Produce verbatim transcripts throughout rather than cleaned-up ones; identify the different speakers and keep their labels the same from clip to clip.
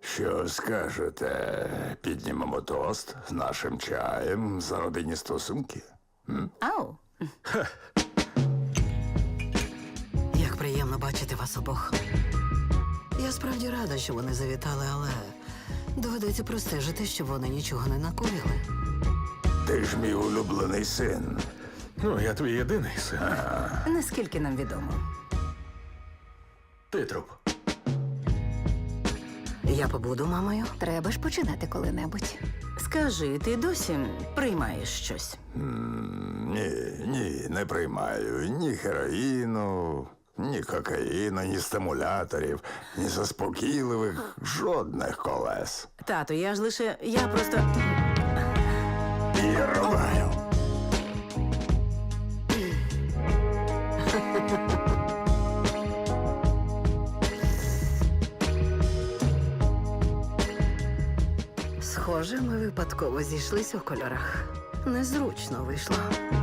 Speaker 1: Що скажете? Піднімемо тост нашим чаєм за родинні стосунки?
Speaker 2: Ау.
Speaker 3: Як приємно бачити вас обох. Я справді рада, що вони завітали, але доведеться простежити, щоб вони нічого не накоїли.
Speaker 1: Ти ж мій улюблений син.
Speaker 4: Ну, я твій єдиний син.
Speaker 2: Наскільки нам відомо.
Speaker 4: Ти труп.
Speaker 3: Я побуду мамою.
Speaker 2: Треба ж починати коли-небудь. Скажи, ти досі приймаєш щось?
Speaker 1: Ні, ні, не приймаю ні героїну, ні кокаїну, ні стимуляторів, ні заспокійливих, жодних колес.
Speaker 2: Тату, я ж лише. Я просто.
Speaker 1: І рубаю.
Speaker 3: Схоже, ми випадково зійшлися у кольорах. Незручно вийшло.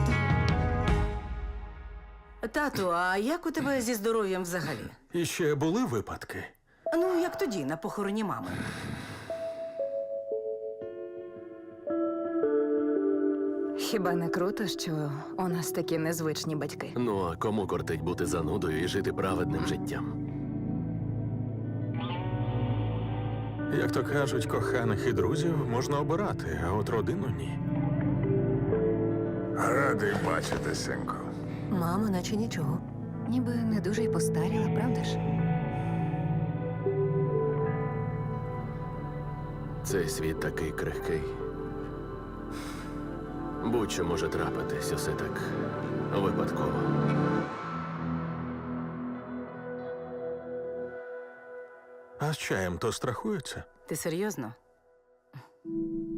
Speaker 2: Тату, а як у тебе зі здоров'ям взагалі?
Speaker 4: І ще були випадки.
Speaker 2: Ну, як тоді, на похороні мами.
Speaker 5: Хіба не круто, що у нас такі незвичні батьки?
Speaker 6: Ну, а кому кортить бути занудою і жити праведним життям?
Speaker 4: Як то кажуть, коханих і друзів можна обирати, а от родину ні.
Speaker 1: Радий бачити, синку.
Speaker 3: Мама, наче нічого.
Speaker 5: Ніби не дуже й постаріла, правда ж?
Speaker 6: Цей світ такий крихкий. Будь-що може трапитись, усе так випадково.
Speaker 4: А з чаєм то страхуються?
Speaker 2: Ти серйозно?